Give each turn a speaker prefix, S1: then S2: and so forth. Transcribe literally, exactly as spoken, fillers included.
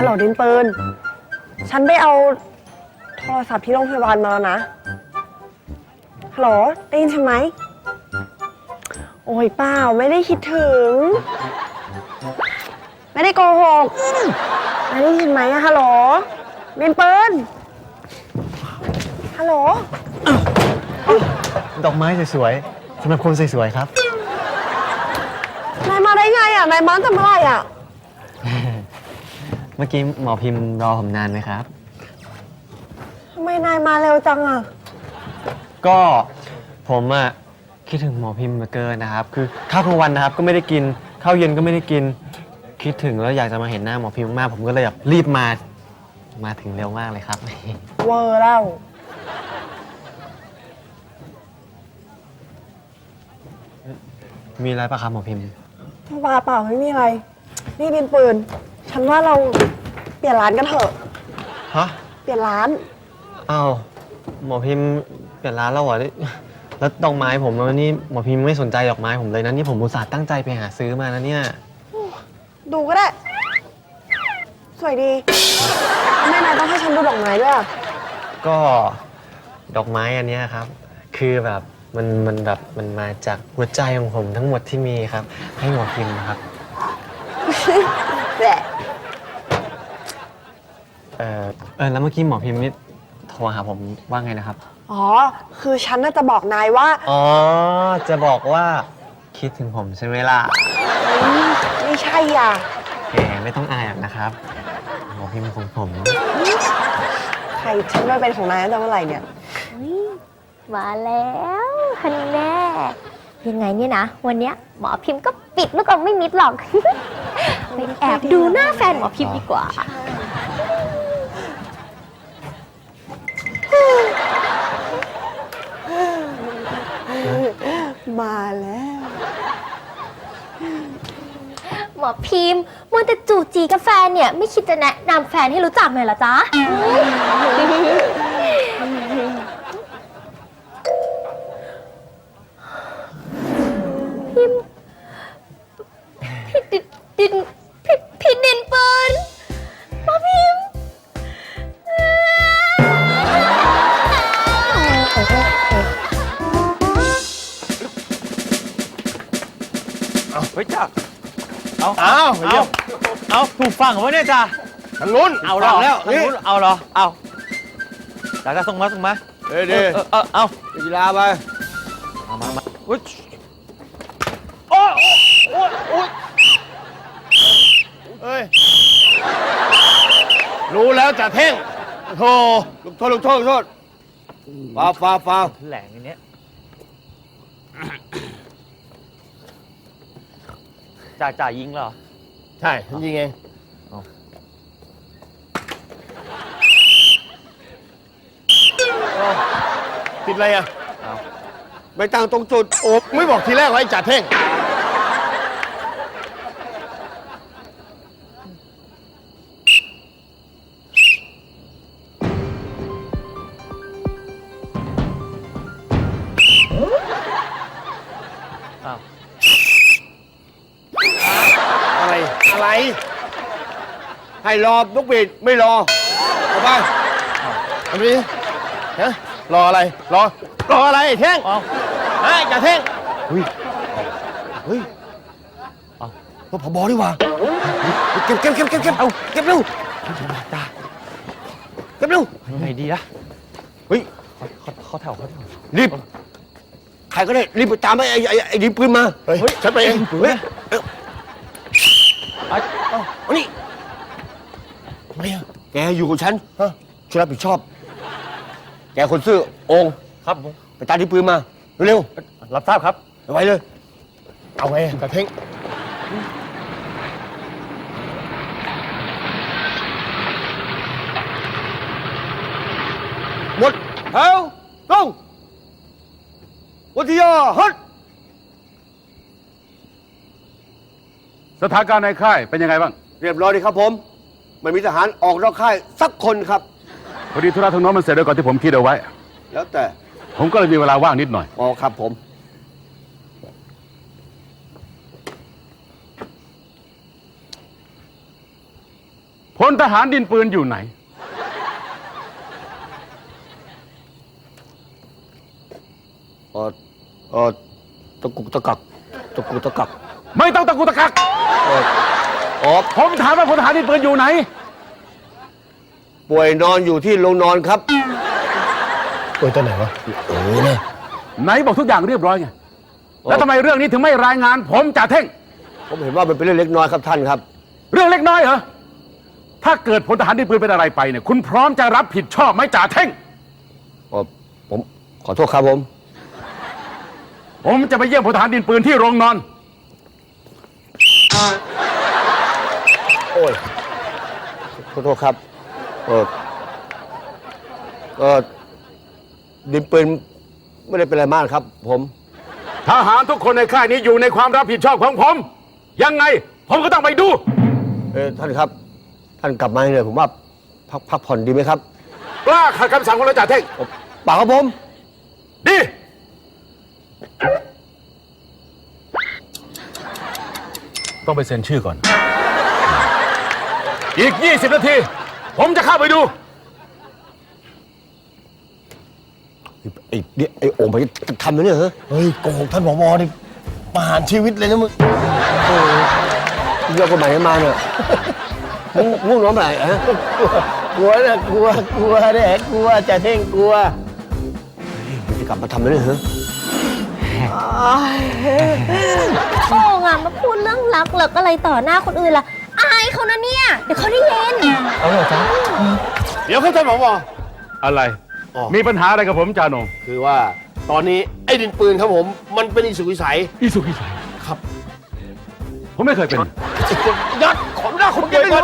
S1: ฮัลโหลดินปืนฉันไปเอาโทรศัพท์ที่โรงพยาบาลมาแล้วนะฮัลโหลได้ยินฉันไหมโอ้ยเปล่าไม่ได้คิดถึงไม่ได้โกหกไม่ได้ยินไหมอะฮัลโหลดินปืนฮัลโหล
S2: ดอกไม้สวยๆสำหรับคนสวยๆครับ
S1: นายมาได้ไงอะนายมาทำอะไรอะ
S2: เมื่อกี้หมอพิมพ์รอผมนานไหมครับ
S1: ทำไมนายมาเร็วจังอะ
S2: ก็ผมอะคิดถึงหมอพิมพ์มาเกินนะครับคือข้าวกลางวันนะครับก็ไม่ได้กินข้าวเย็นก็ไม่ได้กินคิดถึงแล้วอยากจะมาเห็นหน้าหมอพิมพ์มากผมก็เลยแบบรีบมามาถึงเร็วมากเลยครับ
S1: เวอร์แล้ว
S2: มีอะไรปะครับหมอพิมพ์
S1: เปล่าเปล่าไม่มีอะไรนี่ดินปืนฉันว่าเราเปลี่ยนร้านกันเถอะ
S2: ฮะ
S1: เปลี่ยนร้าน
S2: อ้าวหมอพิมพ์เปลี่ยนร้านแล้วเหรอแล้วดอกไม้ผมวันนี้หมอพิมพ์ไม่สนใจดอกไม้ผมเลยนะนี่ผมอุตส่าห์ตั้งใจไปหาซื้อมานะเนี่ย
S1: ดูก็ได้สวยดีทำไมนายต้องให้ฉันดูดอกไม้ด้วย
S2: ก็ดอกไม้อันนี้ครับคือแบบมันมันแบบมันมาจากหัวใจของผมทั้งหมดที่มีครับให้หมอพิมพ์ครับ
S1: แหละ
S2: เออเออแล้วเมื่อกี้หมอพิมพ์นี่โทรหาผมว่าไงนะครับ
S1: อ๋อคือฉันน่าจะบอกนายว่า
S2: อ๋อจะบอกว่าคิดถึงผมใช่ไหมล่ะ
S1: ไม่ใช่อ่ะ
S2: แหมไม่ต้องอายนะครับหมอพิมพ์ของผม
S1: ใครฉันไม่เป็นของนายตั้งแต่เมื่อไหร่เนี่ย
S3: มาแล้วฮันแน่ยังไงเนี่ยนะวันเนี้ยหมอพิมพ์ก็ปิดแล้วก็ไม่มิดหรอกไปแอบดูหน้าแฟนหมอพิมพ์ดีกว่า
S1: มาแล้ว
S3: หมอพิมพ์มัวแต่จู่จีกับแฟนเนี่ยไม่คิดจะแนะนำแฟนให้รู้จักหน่อยเหรอจ๊ะพิมพี่ดินพี่พี่ดินปืนหมอพิมพ์
S4: เอาเฮ้ยจ้าเอา
S5: เอา
S4: เอาเอาถูกฟังเหรอเนี่ยจ้า
S5: ทางนู้น
S4: เอาหรอแล้วทางนู้นเอาหรอเอาจ้าจะส่งมาส่งมา
S5: เดี๋ยวเดี๋ยว
S4: เออเอา
S5: กีฬาไป
S4: มามามาอุ้ยโอ้โอ้โอ้
S5: เฮ้ยรู้แล้วจ่าเท่งโธ่ลูกโทษลูกโทษลูกโทษฟาวฟาวฟาว
S4: แหลงอย่างเนี้ยจ่าจ่ายิงเหรอ
S5: ใช่ฉันยิงเองติดอะไรอ่ะไม่ตั้งตรงจุดโอ้ไม่บอกทีแรกว่าไอ้จ่าเท่งอะไรอะไรให้รอนกบีดไม่รอเอาไปเอาไปฮะรออะไรรอรออะไรเท่งเฮ้ยจ่าเท่งเฮ้ยเฮ้ยเอาผบดีกว่าเก็บเก็บเก็บเก็บเก็บเอาเก็บเร็วจ้าเก็บเร็ว
S4: ไงดีนะ
S5: เฮ้ย
S4: เขาแถวเขาแถว
S5: รีบใครก็ได้รีบไปตามไอ้ไอ้ไอ้ดินปืนมาเฮ้ยฉันไปเองเฮ้ยเอานี่ทำไมอะแกอยู่กับฉันช่วยรับผิดชอบแกคนซื่อองค์
S4: ครับผม
S5: ไปตามดินปืนมาเร็ว
S4: ๆรับทราบครับ
S5: ไว้เลยเอาไงกระเท่งหมดแถวตรงวัทยาฮัท
S6: สถานการณ์ในค่ายเป็นยังไงบ้าง
S5: เรียบร้อยดีครับผมไม่มีทหารออกนอกค่ายสักคนครับ
S6: พอดีธุระทางโน้นมันเสร็จแล้วก่อนที่ผมคิดเอาไว้
S5: แล้วแต่
S6: ผมก็เลยมีเวลาว่างนิดหน่อย
S5: อ๋อครับผม
S6: ผพลทหารดินปืนอยู่ไหน
S5: เออเออตะกุกตะกักตะกุกตะกัก
S6: ไม่ต้องตะกุกตะกัก
S5: เอออ๋อ
S6: ผมถามว่าพลทหารดินปืนอยู่ไหน
S5: ป่วยนอนอยู่ที่โรงนอนครับป่วยตอนไหนวะเออเนี่ย
S6: ไหนบอกทุกอย่างเรียบร้อยไง แล้วทำไมเรื่องนี้ถึงไม่รายงาน ผมจ่าเท่ง
S5: ผมเห็นว่ามันเป็นเรื่องเล็กน้อยครับท่านครับ
S6: เรื่องเล็กน้อยเหรอ ถ้าเกิดพลทหารดินปืนเป็นอะไรไปเนี่ย คุณพร้อมจะรับผิดชอบไหมจ่าเท่ง
S5: อ๋อผมขอโทษครับผม
S6: ผมจะไปเยี่ยมพลทหารดินปืนที่โรงนอน
S5: โอ้ยขอโทษครับเออเออดินปืนไม่ได้เป็นอะไรมากครับ ผม
S6: ทหารทุกคนในค่ายนี้อยู่ในความรับผิดชอบของผม ยังไง ผมก็ต้องไปดู
S5: เออท่านครับ ท่านกลับมาเลยผมว่าพักพักผ่อนดีไหมครับ
S6: กล้าขัดคำสั่งของเราจ่าเท่ง
S5: เปล่าครับผม
S6: ดี ต้องไปเซ็นชื่อก่อน อีก ยี่สิบ นาที ผมจะเข้าไปดู
S5: ไอ้เนี่ยไอ้โอ่งไปทำนะเนี่ยเหรอเฮ้ยโกหกท่านผบนี่ประหารชีวิตเลยนะมึงโอ้ยเรื่องกฎหมายมาเนี่ยมึงง่วงนอนไหนฮะกลัวนะกลัวกลัวเนี่ยกลัวจะเท่งกลัวมันจะกลับมาทำนะเนี่ยเหรอ
S3: โอ่งอะมาพูดเรื่องรักเลิกอะไรต่อหน้าคนอื่นล่ะ อายเขานะเนี่ย เดี๋ยวเขาได้ยิน
S2: เอาเลยจ้า
S5: เดี๋ยวครับท่านผบ
S6: อะไร
S5: อ๋อ
S6: มีปัญหาอะไรกับผมจ่าโหนง
S5: คือว่าตอนนี้ไอ้ดินปืนครับผม มันเป็นอิสุวิสัย
S6: อีสุกอีใส
S5: ครับ
S6: ผมไม่เคยเป็น
S5: ยัดขอหน้าคนเดียวก่อน